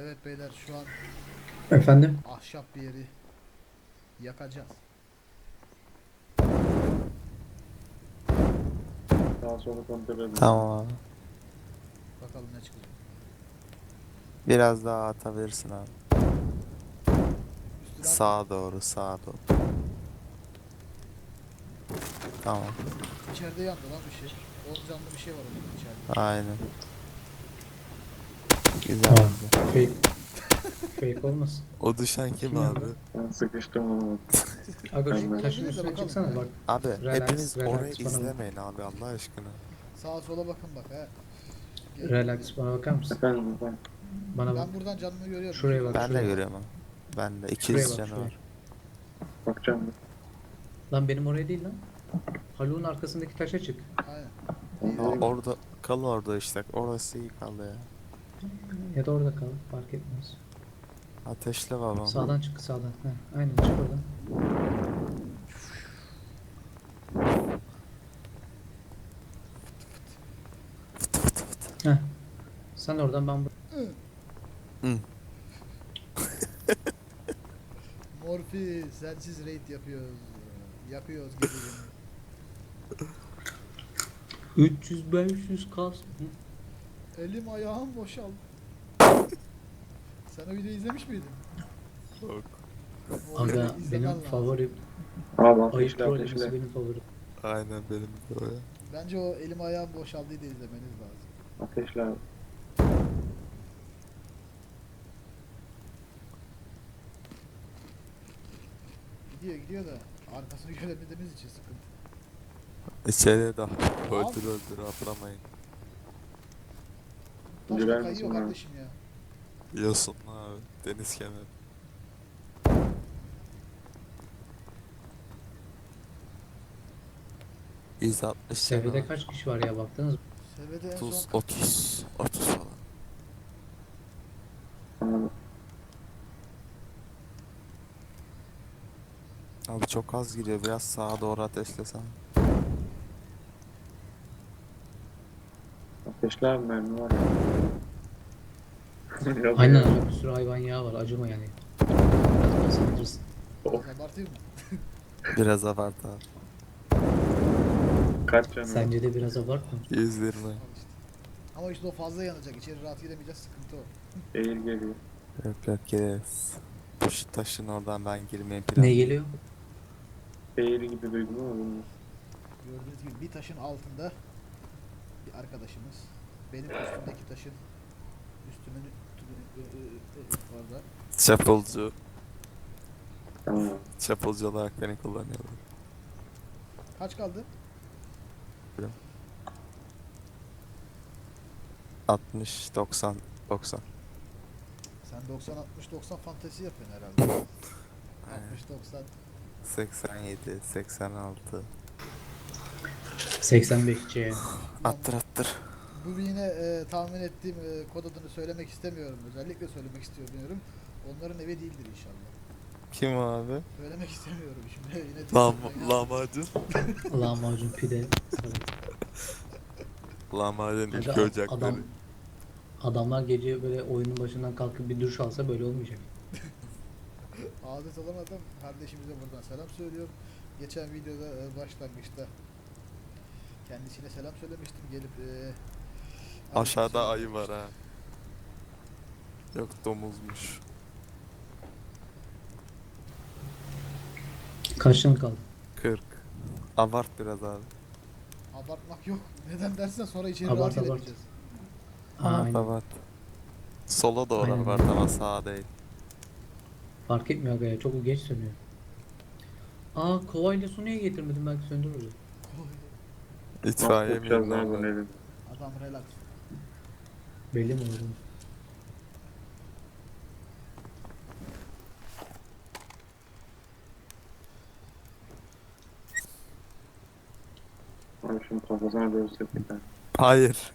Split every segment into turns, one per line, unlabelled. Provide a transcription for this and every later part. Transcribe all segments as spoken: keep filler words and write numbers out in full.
Evet beyler şu an
Efendim?
ahşap bir yeri yakacağız.
Daha sonra kontrol edelim.
Tamam abi.
Bakalım ne çıkacak.
Biraz daha atabilirsin abi.
Üstüne atma.
Sağa doğru, sağa doğru. Tamam.
İçeride yandı lan bir şey. On canlı bir şey var onun içeride.
Aynen. Güzel
Aa,
güzel.
fake. Fake olmasın.
O düşen kim
Kim
abi?
yandı?
Ben sıkıştım onu.
Aga şu
Tamam.
taşın
Olabilir de
üstüne
bakalım
çıksana
ya.
bak.
Abi
Relax,
hepiniz
relax
orayı
bana bak.
izlemeyin abi Allah aşkına.
Sağa sola bakın bak ha. Gel-
Relax bana bakar mısın?
Efendim ben.
Bana bak.
Ben buradan canımı görüyorum.
Şuraya bak.
Ben de
şuraya bak.
görüyorum abi. Ben de
Şuraya
ikiz
bak,
canı
şuraya.
var.
Bakacağım bir.
Lan benim oraya değil lan. Haluk'un arkasındaki taşa çık.
Aynen.
Aa, orada kal orada işte. Orası iyi kaldı ya.
Ya da orada kal. Fark etmez.
Ateşle babam.
Sağdan çık sağdan. Heh, aynen çık oradan. Heh. Sen oradan ben bu.
Hı.
Morfi sensiz raid yapıyoruz. Yakıyoruz geceleri.
üç yüz beş yüz kas.
Elim ayağım boşaldı. Sen o videoyu izlemiş miydin?
Yok.
O videoyu
Aga
izlemen
benim
lazım.
favori.
Abi
Ayıp
ateşle
trollemesi
ateşle.
benim favori.
Aynen benim de o ya.
Bence o elim ayağım boşaldıyı da izlemeniz lazım.
Ateşle abi.
Gidiyor gidiyor da arkasını göremediğimiz için sıkıntı.
İçeriye daha öldür öldür atlamayın.
Taş da
Güler
kayıyor
misin abi?
kardeşim ya.
Yosun abi. Deniz kenarı. yüz altmış
Seviyede
canı var.
kaç kişi var ya baktınız mı?
Sevede en son
otuz, otuz, otuz falan.
Anladım.
Abi çok az gidiyor. Biraz sağa doğru ateşlesen.
Ateşle abi mermi var ya. Biraz
Aynen
ya.
abi bir sürü hayvan yağı var acıma yani. Biraz basındırırsın.
biraz abartayım mı?
Biraz abart abi.
Kaç canı var?
Sence de biraz abartma.
yüz yirmi.
Al işte. Ama işte o fazla yanacak. İçeri rahat giremeyeceğiz. Sıkıntı o.
Eğil geliyor.
Yok yok gireriz. Şu taşın oradan ben girmeyi
Ne
planlıyorum.
geliyor?
Eğil gibi duydum ama bilmiyorum.
Gördüğünüz gibi bir taşın altında bir arkadaşımız. Benim üstümdeki taşın üstümün orada.
Çapulcu.
Tamam.
Çapulcu olarak beni kullanıyorlar.
Kaç kaldı?
altmış, doksan, doksan.
Sen doksan altmış doksan fantezi yapıyorsun herhalde. altmış doksan.
seksen yedi, seksen altı.
seksen beş C.
Attır attır.
Bu yine e, tahmin ettiğim e, kod adını söylemek istemiyorum. Özellikle söylemek istiyorum. Onların evi değildir inşallah.
Kim abi?
Söylemek istemiyorum şimdi. Yine
Lam
Twitter'dan yaz-
lahmacun.
Lahmacun pide.
Lahmacun ilk
Aga,
ocakları.
adam, adamlar gece böyle oyunun başından kalkıp bir duş alsa böyle olmayacak.
Adet olan adam kardeşimize buradan selam söylüyorum. Geçen videoda e, başlangıçta kendisine selam söylemiştim. Gelip e,
Aşağıda ayı var ha. Yok domuzmuş.
Kaç tane kaldı?
kırk. Abart biraz abi.
Abartmak yok. Neden dersen sonra içeri
Abart,
rahat
abart.
giremeyeceğiz.
Ha,
Abart
aynen.
abart. Sola doğru
Aynen.
abart ama sağa değil.
Fark etmiyor aga ya çok geç sönüyor. Aa kovayla su niye getirmedim belki söndürürüz.
İtfaiye
Yapacağız
miyim
abi
lan
bunu
ben?
evin.
Adam relax.
Belli mi oldu?
Abi şimdi kafasına doğru sepet abi.
Hayır.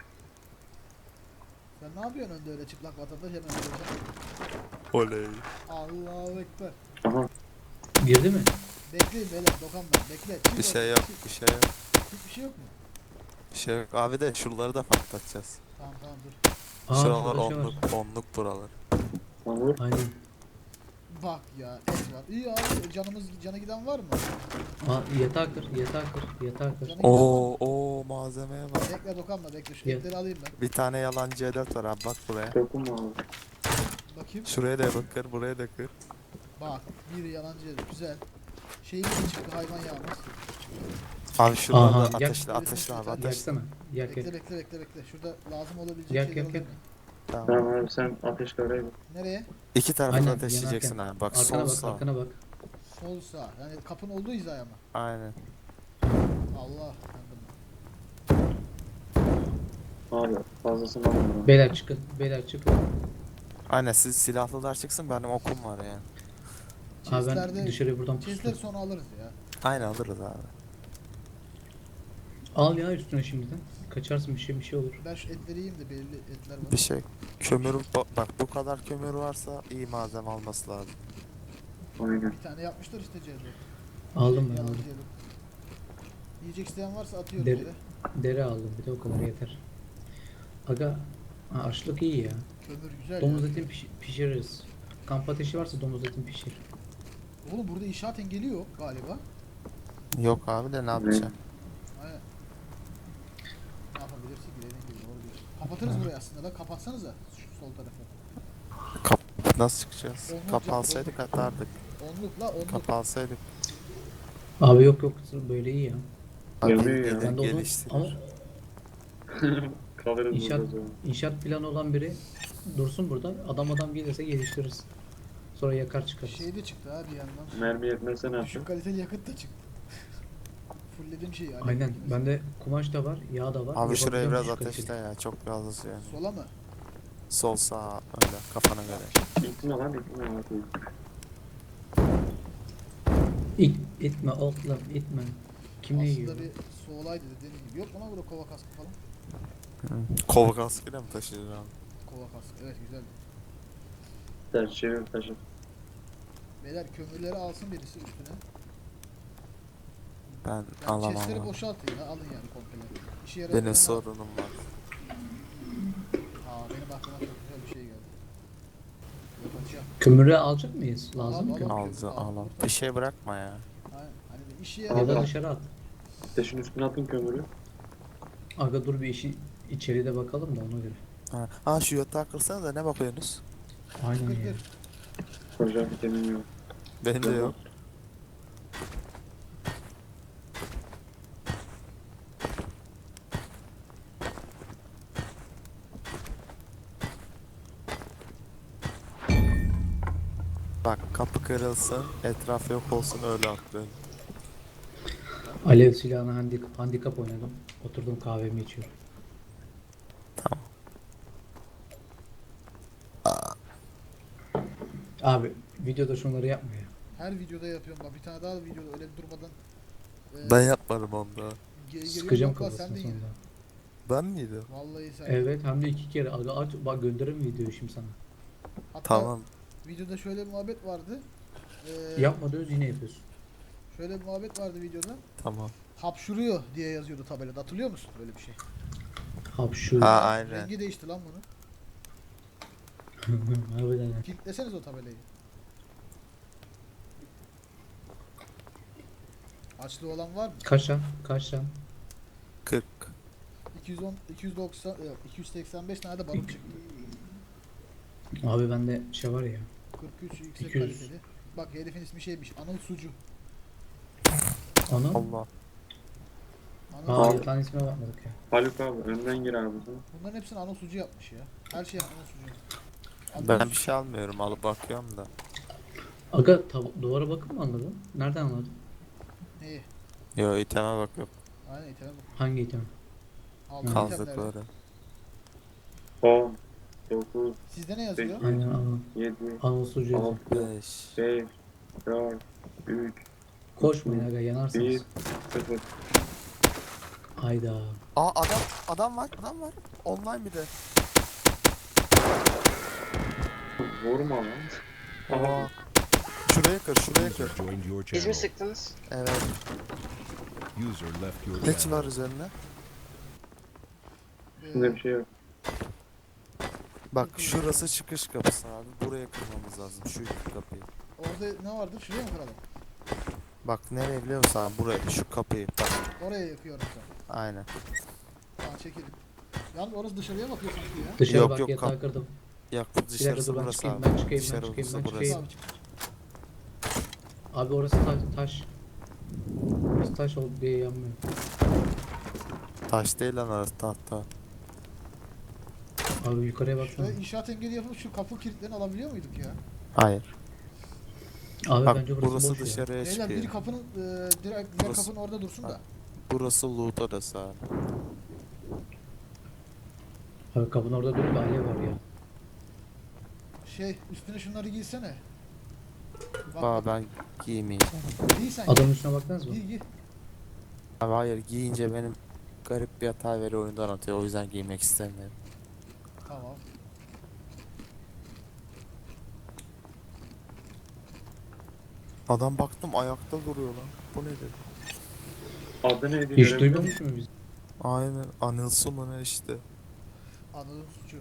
Sen ne yapıyorsun önde öyle çıplak vatandaş hemen öleceksin.
Oley.
Allahu Ekber.
Aha.
Girdi mi?
Bekleyin beyler dokanma. Bekle. Çık
Bir şey
oradan,
yok,
çık.
bir şey yok.
Hiçbir şey yok mu?
Bir şey yok. Abi de şuraları da patlatacağız.
Tamam tamam dur.
Aa
Şuralar
şurada şey var.
onluk, onluk buralar.
Onur.
Aynen.
Bak ya et var. İyi abi canımız cana giden var mı?
Aa, yatağı kır, yatağı kır, yatağı kır.
Canı giden var
Oo
mı?
o malzemeye bak.
Bekle dokanma bekle şu
Ya-
etleri alayım ben.
Bir tane yalancı edet var abi, bak buraya.
Dokunma abi.
Bakayım.
Şuraya da bak, kır, buraya da kır.
Bak bir yalancı herif, güzel. Şeyimiz de çıktı hayvan yağımız.
Abi şurada
Aha,
da
gel.
ateşle ateşle abi ateşle.
Yaksana. Yak
Bekle
yak.
bekle bekle bekle. Şurada lazım olabilecek
Yak,
şeyler
yak, yak.
alayım ben.
Tamam.
Tamam abi sen ateşle oraya bak.
Nereye?
İki tarafı da
Aynen,
ateşleyeceksin
yanarken.
abi. Bak
Arkana
sol
bak,
sağ.
arkana bak.
Sol sağ. Yani kapının olduğu hizaya mı?
Aynen.
Allah. Yandım.
Abi fazlasını alın bana.
Beyler çıkın, beyler çıkın.
Aynen, siz silahlılar çıksın, benim okum var yani.
Abi ben
Chestlerde,
dışarı buradan
chestleri
pustum.
sonra alırız ya.
Aynen alırız abi.
Al ya üstüne şimdiden. Kaçarsın, bir şey bir şey olur.
Ben şu etleri yiyeyim de belli etler var.
Bir şey. Kömür ba- bak bu kadar kömür varsa iyi malzeme alması lazım.
Aynen.
Bir tane yapmışlar işte C D.
Aldım ben
Yalan
aldım.
diyelim. Yiyecek isteyen varsa atıyorum
Deri-
yere.
Deri aldım, bir de o kadar yeter. Aga, ha, açlık iyi ya.
Kömür güzel
Domuz
ya.
etini piş- pişiririz. Kamp ateşi varsa domuz etini pişir.
Oğlum burada inşaat engeli yok galiba.
Yok abi de ne yapacağım?
Aynen. Ne yapabilirsin ki dediğin gibi doğru diyorsun. Kapatırız burayı aslında da kapatsanıza şu sol tarafı.
Kap nasıl çıkacağız?
Olmaz
Kapı
ya,
alsaydık atardık.
Onluk la onluk.
Kapı alsaydık.
Abi yok yok, böyle iyi ya.
Abi
Yanıyor ya.
gelin
Ben de onu
geliştirir.
ama
Kalırız
İnşaat,
burada o zaman.
inşaat planı olan biri dursun burada. Adam adam gelirse geliştiririz. Sonra yakar çıkarız.
Şey de çıktı ha bir yandan.
Mermi yetmezse ne
Düşük
yapacaksın?
kaliteli yakıt da çıktı. Fullledim şeyi. alev
Aynen.
makinesi.
Bende kumaş da var, yağ da var.
Abi şuraya
Yapabileceğim
biraz
düşük
ateşle
kaliteli.
ya, çok fazlası yani.
Sola mı?
Sol sağ öyle kafana göre.
İtme lan itme abi.
İt, itme oğlum itme. Kim ne yiyor?
Aslında bir soğulaydı dediğim gibi. Yok ama burada kova kaskı falan.
Kova kaskıyla mı taşıyacağız abi?
Kova kaskı. Evet güzel.
Ters çevir taşı.
Beyler kömürleri alsın birisi üstüne.
Ben
Yani
alamam
chestleri
abi.
boşaltın ya. Alın yani komple. İşe yarayan
Benim
al.
sorunum var.
Aa benim aklıma çok güzel bir şey geldi. Yapacağım.
Kömürü alacak mıyız? Lazım
Al,
mı
al,
kömür?
al.
Alacağım al. Bir şey bırakma ya.
Aynen. Hani bir işe
Ya
yarayan
da
Al.
dışarı at.
Ateşin üstüne atın kömürü.
Aga dur bir işi içeride bakalım da ona göre.
Ha, ha şu yatağı kırsana da ne bakıyorsunuz?
Aynen
Kır,
ya.
kır.
Koca bir temin yok.
Benim de yok. Bak kapı kırılsın, etraf yok olsun, öyle atlayın.
Alev silahına handikap, handikap oynadım. Oturdum kahvemi içiyorum.
Tamam.
Abi videoda şunları yapma ya.
Her videoda yapıyorum. Bak bir tane daha videoda öyle durmadan. E,
Ben yapmadım onda.
ge- geliyor,
Sıkacağım
bak, bak,
kafasını
sen de
sonra.
yine.
Ben miydim?
Vallahi sen.
Evet hem de iki kere. Aga aç bak gönderirim videoyu şimdi sana.
Hatta
Tamam.
videoda şöyle bir muhabbet vardı. Ee,
Yapma diyoruz yine yapıyorsun.
Şöyle bir muhabbet vardı videoda.
Tamam.
Hapşuruyor diye yazıyordu tabelada. Hatırlıyor musun böyle bir şey?
Hapşu.
Ha aynen.
Rengi değişti lan bunun.
Harbiden ya.
Kilitleseniz o tabelayı. Açlığı olan var mı?
Kaç lan? Kaç lan?
kırk.
iki yüz on, iki yüz doksan, yok, iki yüz seksen beş tane de barut çıktı.
Abi bende şey var ya.
kırk üç yüksek
iki yüz.
kaliteli. Bak herifin ismi şeymiş. Anıl Sucu.
Ana.
Allah.
Anıl
Aa
Sucu.
yatağın ismine bakmadık ya.
Haluk abi önden gir abi sen.
Bunların hepsini Anıl Sucu yapmış ya. Her şey Anıl Sucu. Anıl
Ben
Sucu.
bir şey almıyorum, alıp bakıyorum da.
Aga tav- duvara bakıp mı anladın? Nereden anladın?
Neyi?
Yo iteme bakıyorum.
Aynen iteme bak.
Hangi item?
Aldığım
Kazdık
itemlerde.
böyle.
on, dokuz,
Sizde ne yazıyor?
Peki.
Aynen anladım.
yedi,
Anıl sucu yazıyor.
altı,
beş.
beş, dört, üç,
Koşmayın aga
bir,
yanarsınız.
sıfır.
Ayda.
Aa adam adam var, adam var. Online bir de.
Vurma lan.
Aa. Şuraya kır, şuraya
User
kır.
joined your
Biz mi
channel.
sıktınız?
Evet.
User left your
Geç
channel.
var üzerine.
Ee,
Üstünde bir şey yok.
Bak şurası çıkış kapısı abi. Buraya kırmamız lazım. Şu iki kapıyı.
Orada ne vardır? Şuraya mı kıralım?
Bak nereye biliyor musun abi? Buraya. Şu kapıyı. Bak.
Oraya yakıyorum sen.
Aynen.
Tamam çekilin. Yalnız orası dışarıya bakıyor sanki ya.
Dışarı
Yok,
bak
yok,
yatağı
kap-
kırdım.
Yak
Bir dakika
dışarısı
dur ben
burası
çıkayım
abi.
ben çıkayım ben
Dışarı
çıkayım ben
burası.
çıkayım.
Abi çık.
Abi orası taş. taş. Orası taş oldu diye yanmıyor.
Taş değil lan orası tahta.
Abi yukarıya baksana.
Şuraya inşaat engeli yapıp şu kapı kilitlerini alabiliyor muyduk ya?
Hayır.
Abi
Bak
bence burası,
burası
boş ya.
dışarıya
Beyler
çıkıyor.
biri kapının, e, direkt diğer
Burası-
kapının orada dursun da.
Burası loot odası abi.
Abi kapının orada dur da alev var ya.
Şey üstüne şunları giysene. Bak,
Aa
bak.
ben giymeyeceğim.
Giy sen.
Adamın üstüne baktınız mı?
Giy giy.
Abi hayır giyince benim garip bir hata veri oyundan atıyor. O yüzden giymek istemiyorum.
Tamam.
Adam baktım ayakta duruyor lan. Bu nedir?
Adı neydi?
Hiç
görebiliyor
duymamış
musun?
mı biz?
Aynen Anılsın mı ne işte.
Anladım suçu.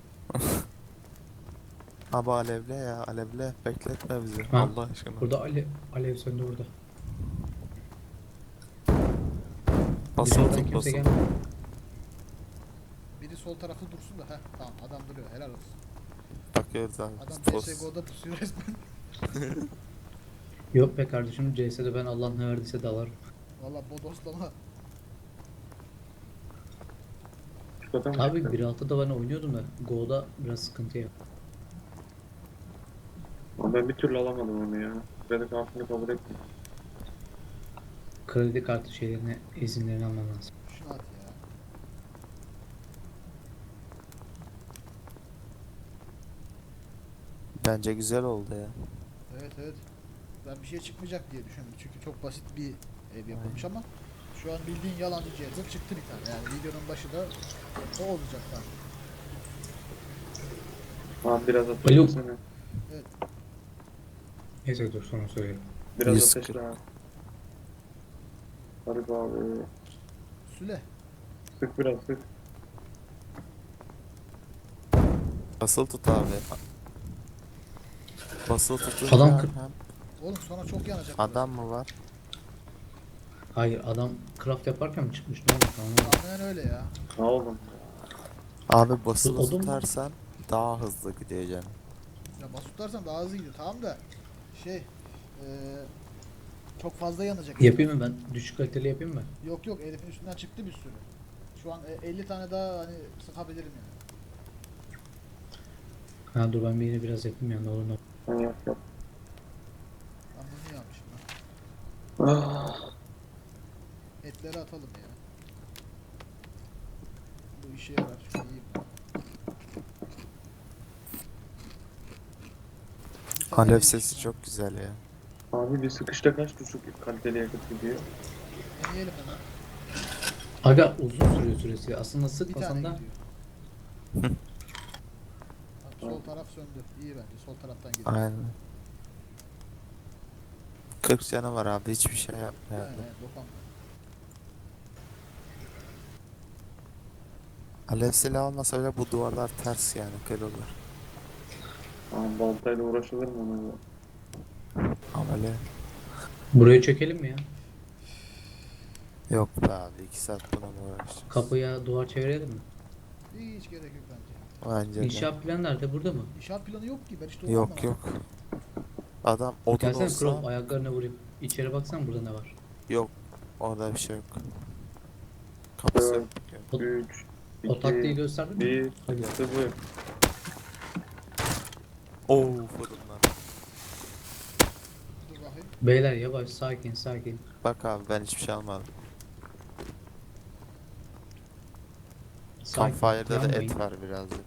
Abi alevle ya alevle. Bekletme bizi.
Ha,
Allah aşkına.
Burada alev, alev söndü burada.
Basılı
Dışarıdan
tut
kimse
basılı.
gelmiyor.
Biri sol tarafta dursun da. Heh tamam adam duruyor helal olsun.
Bakıyoruz abi.
Adam
Toz.
C S G O'da pusuyor resmen.
Yok be kardeşim C S'de ben Allah ne verdiyse dalarım.
Valla bodoslama.
Çikolata mı
Abi
çıktı?
bir altıda ben oynuyordum da Go'da biraz sıkıntı ya.
Ama ben bir türlü alamadım onu ya. Kredi kartını kabul ettim.
Kredi kartı şeylerini, izinlerini almam lazım.
Şunu at ya.
Bence güzel oldu ya.
Evet evet. Ben bir şey çıkmayacak diye düşündüm. Çünkü çok basit bir ev yapılmış ama şu an bildiğin yalancı cihazda çıktı bir tane. Yani videonun başı da o olacak lan.
Abi biraz
Alo.
ateşlesene.
Neyse dur sonra söyleyeyim.
Biraz
yüz
ateşle
kırk.
abi. Hadi abi.
Süle.
Sık biraz sık.
Basılı tut abi. Basılı tutunca
Adam kır-
hem
Oğlum sonra çok yanacak.
adam mı var?
Hayır adam craft yaparken mi çıkmış ne oldu anlamadım.
Aynen öyle ya.
Ne oğlum?
Abi basılı
odun mu?
tutarsan daha hızlı gideceksin.
Ya bas tutarsan daha hızlı gidiyor tamam da şey eee çok fazla yanacak.
Yapayım mı ben? Düşük kaliteli yapayım mı?
Yok yok Elif'in üstünden çıktı bir sürü. Şu an e, elli tane daha hani sıkabilirim yani.
Ha dur ben bir yine biraz yapayım ya ne olur ne olur.
Sen yap yap.
Ben bunu yapmışım lan.
Ah.
Etleri atalım ya. Bu işe yarar. Şunu yiyeyim ben. Bir tane
Alev
yemişim
sesi
ben.
çok güzel ya.
Abi bir sıkışta kaç düşük kaliteli yakıt gidiyor?
Deneyelim hemen.
Aga uzun sürüyor süresi. Aslında
Bir tane
sıkmasan da
gidiyor. Bak, sol taraf söndü. İyi bence. Sol taraftan gidiyor.
Aynen. kırk canı var abi hiçbir şey yapmıyor.
Aynen, evet, dokunma.
Alev silahı olmasa bile bu duvarlar ters yani kırılır.
Abi baltayla uğraşılır mı ona?
Ama alev
buraya çökelim mi ya?
yok be abi iki saat buna mı uğraşacağız?
Kapıya duvar çevirelim mi?
Hiç gerek yok bence.
Bence de.
İnşaat plan nerede? Burada mı?
İnşaat planı yok ki. Ben işte onu
Yok
anlamadım.
yok. Adam odun
Gelsene
olsa
Crow ayaklarına vurayım. İçeri baksan burada ne var?
yok. Orada bir şey yok. Kapısı yok.
O,
üç,
o taktiği
iki,
gösterdin mi?
bir,
Hadi.
sıfır.
Oo fırınlar.
Dur bakayım.
Beyler yavaş sakin sakin.
Bak abi ben hiçbir şey almadım.
Sakin.
Campfire'da da
yanmayın.
et var birazcık.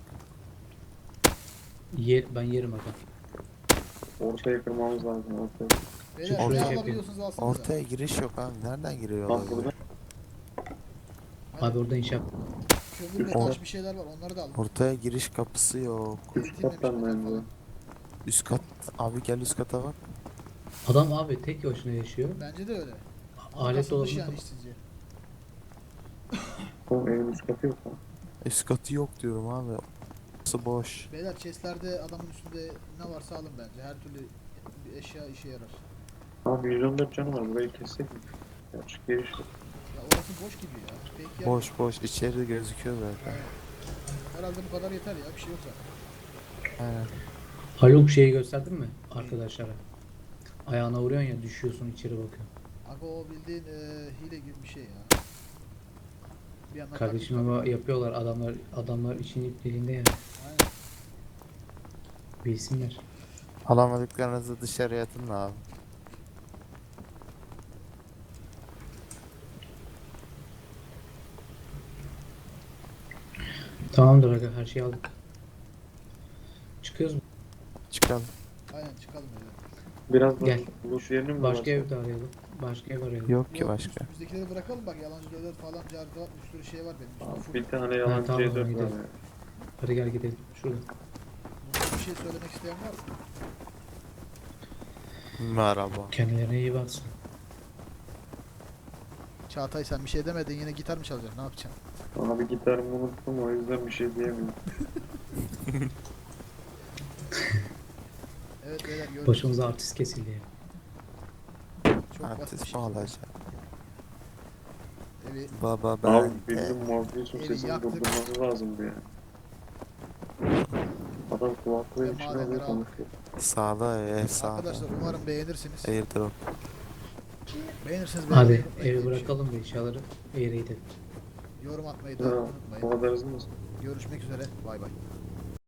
Yer, ben yerim aga.
Ortaya kırmamız lazım ortaya.
Beyler
Oraya
ne
yapayım.
alabiliyorsunuz alsanıza.
Ortaya giriş yok abi. Nereden giriyor
Bak
olabilir?
burada.
Abi orada inşaat.
Kömür ve
Or-
taş bir şeyler var. Onları da alın.
Ortaya giriş kapısı yok.
Üst kattan bence.
Üst kat. Abi gel üst kata bak.
Adam abi tek başına yaşıyor.
Bence de öyle. Ama
Alet
kasılmış
dolabını
yani
kapat.
işsizce.
Oğlum evin üst katı yok lan.
Üst katı yok diyorum abi. Burası boş.
Beyler chestlerde adamın üstünde ne varsa alın bence. Her türlü bir eşya işe yarar.
Abi yüz on dört canı var. Burayı kessek mi? Ya şu giriş yok.
Ya orası boş gibi ya. Pek yer yok.
Boş boş. İçeri gözüküyor zaten.
Yani herhalde bu kadar yeter ya. Bir şey yok zaten.
Aynen.
Haluk şeyi gösterdin mi arkadaşlara? Ayağına vuruyorsun ya düşüyorsun içeri bakıyorsun.
Aga o bildiğin e, hile gibi bir şey ya. Bir yandan
Kardeşim
taktik
ama yapıyorlar adamlar adamlar işin ipliğinde yani.
Aynen.
Bilsinler.
Alamadıklarınızı dışarıya atın da abi.
Tamamdır aga her şeyi aldık. Çıkıyoruz mu?
Çıkalım.
Aynen çıkalım öyle.
Biraz da
Gel.
loot yerini mi
Başka
bulalım?
evde arayalım. Başka ev arayalım.
Yok ki
Yok,
başka.
üstümüzdekileri bırakalım bak yalancı döler falan cargılat bir sürü şey var benim
Abi
üstümde full.
bir tane yalan
tamam,
C dört var
gidelim.
ya.
Hadi gel gidelim. Şurada.
Bunun bir şey söylemek isteyen var mı?
Merhaba.
Kendilerine iyi baksın.
Çağatay sen bir şey demedin yine gitar mı çalacaksın ne yapacaksın?
Abi gitarımı unuttum o yüzden bir şey diyemiyorum.
Evet beyler gördünüz.
Başımıza artist kesildi ya.
Çok basit bir
Artist
şey.
mi olacak?
Evi
Baba
Abi
ben de.
bildim Morpheus'un
Evi
sesini
yaktık.
durdurması lazımdı ya. Adam kulaklığın
Ve
içine
madenleri
alıyor
aldık.
konuşuyor.
Sağda ev sağda.
arkadaşlar umarım beğenirsiniz.
Airdrop.
Beğenirseniz
Hadi
beğenmeyi unutmayın.
evi bırakalım da eşyaları eğre gidelim.
Yorum atmayı da
Ha,
unutmayın.
o kadar hızlı mısın?
Görüşmek üzere. Bay bay.